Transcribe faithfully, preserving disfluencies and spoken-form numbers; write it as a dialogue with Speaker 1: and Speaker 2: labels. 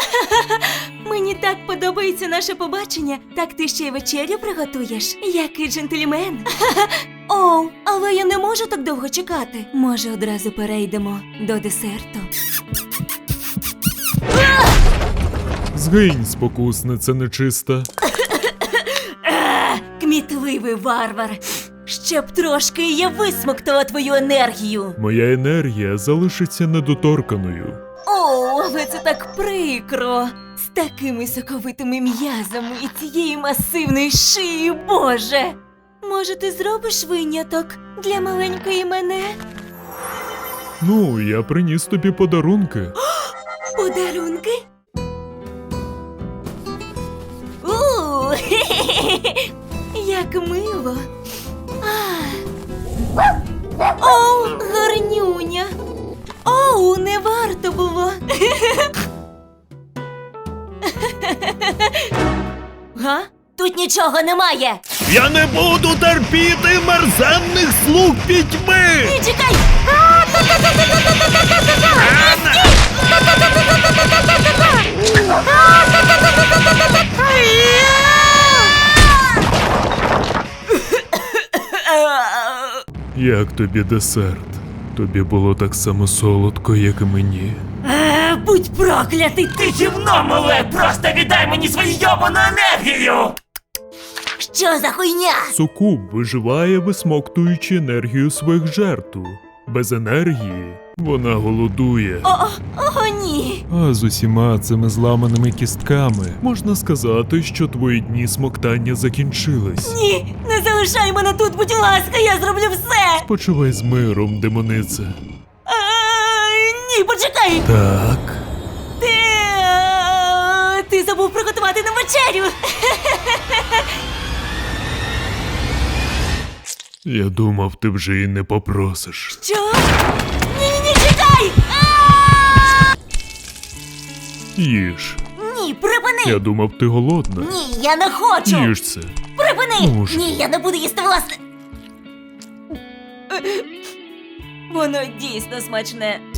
Speaker 1: Мені так подобається наше побачення. Так ти ще й вечерю приготуєш? Який джентльмен. О, але я не можу так довго чекати. Може, одразу перейдемо до десерту?
Speaker 2: Згинь, спокусниця нечиста.
Speaker 1: Кмітливий варвар. Ще б трошки, і я висмоктала твою енергію.
Speaker 2: Моя енергія залишиться недоторканою.
Speaker 1: О, але це так прикро. З такими соковитими м'язами і цієї масивної шиї, Боже. Може, ти зробиш виняток для маленької мене?
Speaker 2: Ну, я приніс тобі подарунки.
Speaker 1: Подарунки? У, як мило. А. Оу, гарнюня. Оу, не варто було. Га? Тут нічого немає.
Speaker 2: Я не буду терпіти мерзенних слуг пітьми!
Speaker 1: Ні, чекай!
Speaker 2: Як тобі десерт? Тобі було так само солодко, як і мені.
Speaker 1: Е, Будь проклятий ти!
Speaker 3: Гівно мале, просто віддай мені свою йобану енергію!
Speaker 1: Що за хуйня?
Speaker 2: Сукуб виживає, висмоктуючи енергію своїх жертв. Без енергії вона голодує.
Speaker 1: О, о, ні.
Speaker 2: А з усіма цими зламаними кістками можна сказати, що твої дні смоктання закінчились.
Speaker 1: Ні, не залишай мене тут, будь ласка, я зроблю все.
Speaker 2: Почувай з миром, демонице.
Speaker 1: А, ні, почекай.
Speaker 2: Так.
Speaker 1: Ти, а, ти забув приготувати нам вечерю.
Speaker 2: Я думав, ти вже і не попросиш.
Speaker 1: Що? Ні-ні-ні, чекай! А!
Speaker 2: Їж.
Speaker 1: Ні, припини!
Speaker 2: Я думав, ти голодна.
Speaker 1: Ні, я не хочу!
Speaker 2: Їж це.
Speaker 1: Припини!
Speaker 2: Ну ж.
Speaker 1: Ні, я не буду їсти власне. Воно дійсно смачне.